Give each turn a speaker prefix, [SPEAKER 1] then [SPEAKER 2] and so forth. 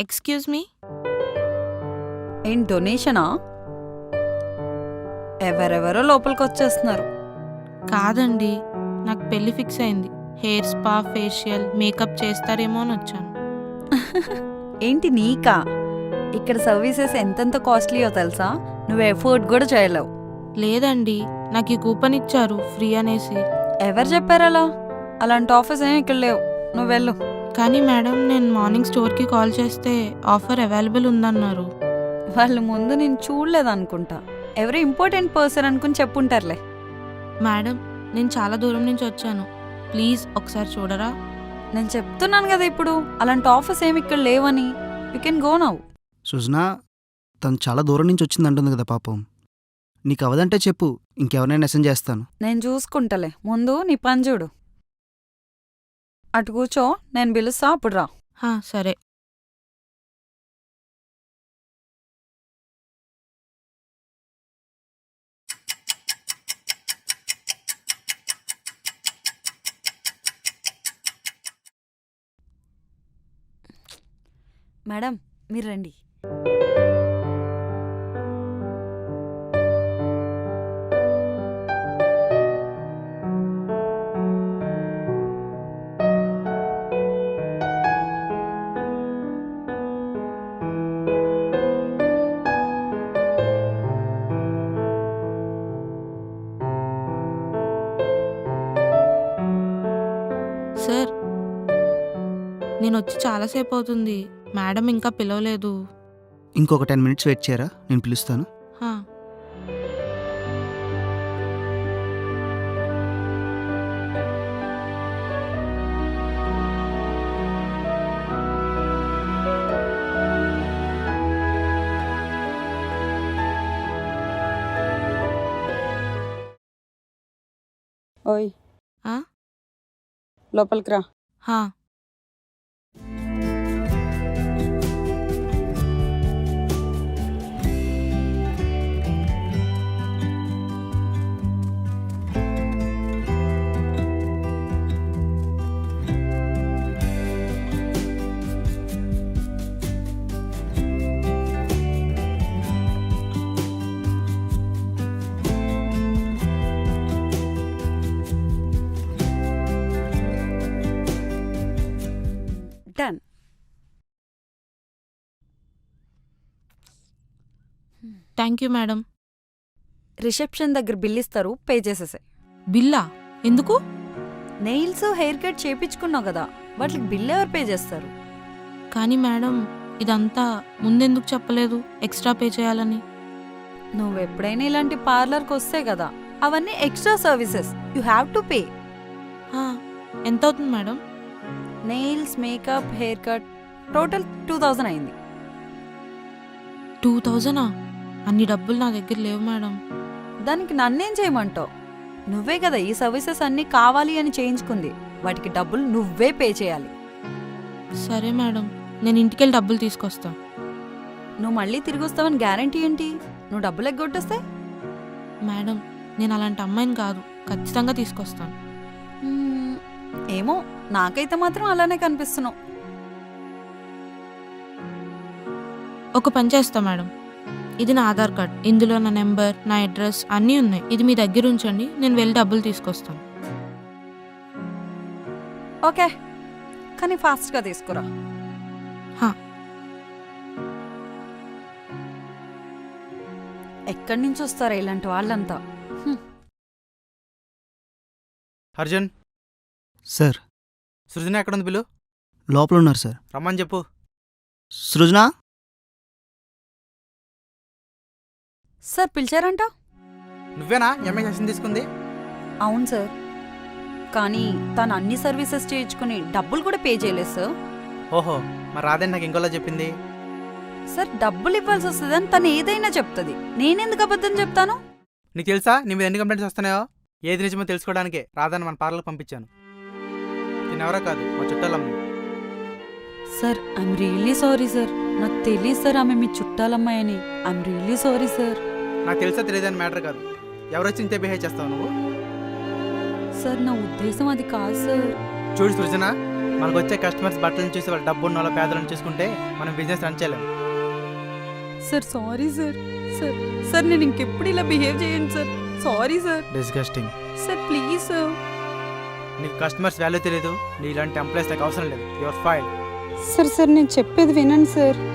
[SPEAKER 1] Excuse me.
[SPEAKER 2] ఏం డొనేషనా? ఎవరెవరో లోపలికి వచ్చేస్తున్నారు.
[SPEAKER 1] కాదండి, నాకు పెళ్లి ఫిక్స్ అయింది. హెయిర్ స్పా, ఫేషియల్, మేకప్ చేస్తారేమో అని వచ్చాను.
[SPEAKER 2] ఏంటి నీకా? ఇక్కడ సర్వీసెస్ ఎంతెంత కాస్ట్లీయో తెలుసా? నువ్వు ఎఫోర్డ్ కూడా చేయలేవు.
[SPEAKER 1] లేదండి, నాకు ఈ కూపన్ ఇచ్చారు ఫ్రీ అనేసి.
[SPEAKER 2] ఎవరు చెప్పారలా? అలాంటి ఆఫర్స్ ఏమి ఇక్కడ లేవు. నువ్వు వెళ్ళు.
[SPEAKER 1] కానీ మేడం, నేను మార్నింగ్ స్టోర్కి కాల్ చేస్తే ఆఫర్ అవైలబుల్ ఉందన్నారు.
[SPEAKER 2] వాళ్ళు ముందు నేను చూడలేదనుకుంటా. ఎవరో ఇంపార్టెంట్ పర్సన్ అనుకుని చెప్పుంటారులే.
[SPEAKER 1] మేడం, నేను చాలా దూరం నుంచి వచ్చాను, ప్లీజ్ ఒకసారి చూడరా?
[SPEAKER 2] నేను చెప్తున్నాను కదా ఇప్పుడు, అలాంటి ఆఫర్స్ ఏమి ఇక్కడ లేవని. You can go now.
[SPEAKER 3] Sujana, తను చాలా దూరం నుంచి వచ్చింది అంటుంది కదా పాపం. నీకు అవదంటే చెప్పు, ఇంకెవరినైనా మెసేజ్ చేస్తాను.
[SPEAKER 2] నేను చూసుకుంటలే, ముందు నీ పని చూడు. అటు కూర్చో, నేను పిలుస్తా, అప్పుడు రా.
[SPEAKER 1] సరే.
[SPEAKER 2] మేడం, మీరు రండి.
[SPEAKER 1] సార్, నేను వచ్చి చాలాసేపు అవుతుంది, మేడం ఇంకా పిలవలేదు.
[SPEAKER 3] ఇంకొక 10 minutes వెయిట్ చేయరా, నేను పిలుస్తాను.
[SPEAKER 1] హా.
[SPEAKER 2] ఓయ్,
[SPEAKER 1] ఆ?
[SPEAKER 2] లోపలికి రా.
[SPEAKER 1] హా.
[SPEAKER 2] Done.
[SPEAKER 1] Thank you madam.
[SPEAKER 2] Reception దగ్గర బిల్ ఇస్తారు, పే చేసేసాయి.
[SPEAKER 1] బిల్లా? ఎందుకు?
[SPEAKER 2] నెయిల్స్, హెయిర్ కట్ చేపించుకున్నావు కదా, వాటికి బిల్ ఎవరు పే చేస్తారు?
[SPEAKER 1] కానీ మేడం, ఇదంతా ముందెందుకు చెప్పలేదు ఎక్స్ట్రా పే చేయాలని?
[SPEAKER 2] నువ్వెప్పుడైనా ఇలాంటి పార్లర్కి వస్తే కదా, అవన్నీ extra services, you have to pay.
[SPEAKER 1] ఎంత అవుతుంది madam?
[SPEAKER 2] Nails, makeup, haircut total 2000 అయింది.
[SPEAKER 1] 2000? అన్ని డబ్బులు నా దగ్గర లేవు మేడం.
[SPEAKER 2] దానికి నన్నేం చేయమంటావు? నువ్వే కదా ఈ సర్వీసెస్ అన్నీ కావాలి అని చేయించుకుంది, వాటికి డబ్బులు నువ్వే పే చేయాలి.
[SPEAKER 1] సరే మేడం, నేను ఇంటికెళ్ళి డబ్బులు తీసుకొస్తా.
[SPEAKER 2] నువ్వు మళ్ళీ తిరిగి వస్తావని గ్యారంటీ ఏంటి? నువ్వు డబ్బులు ఎగ్గొట్టేస్తే?
[SPEAKER 1] మేడం, నేను అలాంటి అమ్మాయిని కాదు, ఖచ్చితంగా తీసుకొస్తాను.
[SPEAKER 2] ఏమో, నాకైతే మాత్రం అలానే కనిపిస్తున్నావు.
[SPEAKER 1] ఒక పని చేస్తా మేడం, ఇది నా ఆధార్ కార్డ్, ఇందులో నా నెంబర్, నా అడ్రస్ అన్నీ ఉన్నాయి. ఇది మీ దగ్గర ఉంచండి, నేను వెళ్ళి డబ్బులు తీసుకొస్తాను.
[SPEAKER 2] ఓకే, కానీ ఫాస్ట్గా తీసుకురా. ఎక్కడి నుంచి వస్తారా ఇలాంటి వాళ్ళంతా?
[SPEAKER 4] అర్జున్.
[SPEAKER 3] సార్.
[SPEAKER 4] సృజన ఎక్కడుంది? బిల్లు
[SPEAKER 3] లోపల ఉన్నారు సార్.
[SPEAKER 4] రమ్మని చెప్పు.
[SPEAKER 3] సృజన.
[SPEAKER 2] సార్, పిలిచారంట?
[SPEAKER 4] నువ్వేనా ఎంఐ సెషన్ తీసుకుంది?
[SPEAKER 2] అవును సార్, కానీ తను అన్ని సర్వీసెస్ చేయించుకుని డబ్బులు కూడా పే చేయలేదు సార్.
[SPEAKER 4] ఓహో, మరి రాదని నాకు ఇంకోలా చెప్పింది.
[SPEAKER 2] సార్, డబ్బులు ఇవ్వాల్సి వస్తుందని తను ఏదైనా చెప్తుంది, నేనెందుకు అబద్ధం చెప్తాను?
[SPEAKER 4] నీకు తెలుసా నీ మీద ఎన్ని కంప్లైంట్స్ వస్తున్నాయో? ఏది నిజమో తెలుసుకోవడానికే రాదని మన పార్లర్కి పంపించాను. తినెవరో కాదు, మా చుట్టాలమ్మ.
[SPEAKER 2] Sir, I'm really sorry sir. నాకు తెలియదు సార్ ఆమె మీ చుట్టాలమ్మాయని. I'm really sorry sir.
[SPEAKER 4] నాకు తెలుసా తెలియదని మ్యాటర్ కాదు. ఎవరొచ్చి ఇంతే బిహేవ్ చేస్తావు నువ్వు?
[SPEAKER 2] సార్, నా ఉద్దేశం అది కాదు సార్.
[SPEAKER 4] చూడు సృజన, మనకు వచ్చే కస్టమర్స్ బట్టలను చూసి వాళ్ళ డబ్బు ఉన్న వాళ్ళ పేదలను చూసుకుంటే మనం బిజినెస్ రన్ చేయలేం.
[SPEAKER 2] Sir sorry sir. Sir sir నేను ఇంకెప్పుడు ఇలా బిహేవ్ చేయండి sir. Sorry sir.
[SPEAKER 4] Disgusting.
[SPEAKER 2] Sir please sir.
[SPEAKER 4] నీకు కస్టమర్స్ వాల్యూ తెలియదు, నీ ఇలాంటి ఎంప్లాయీస్ నాకు అవసరం లేదు. Your file.
[SPEAKER 5] సార్ సార్ నేను చెప్పేది వినండి సార్.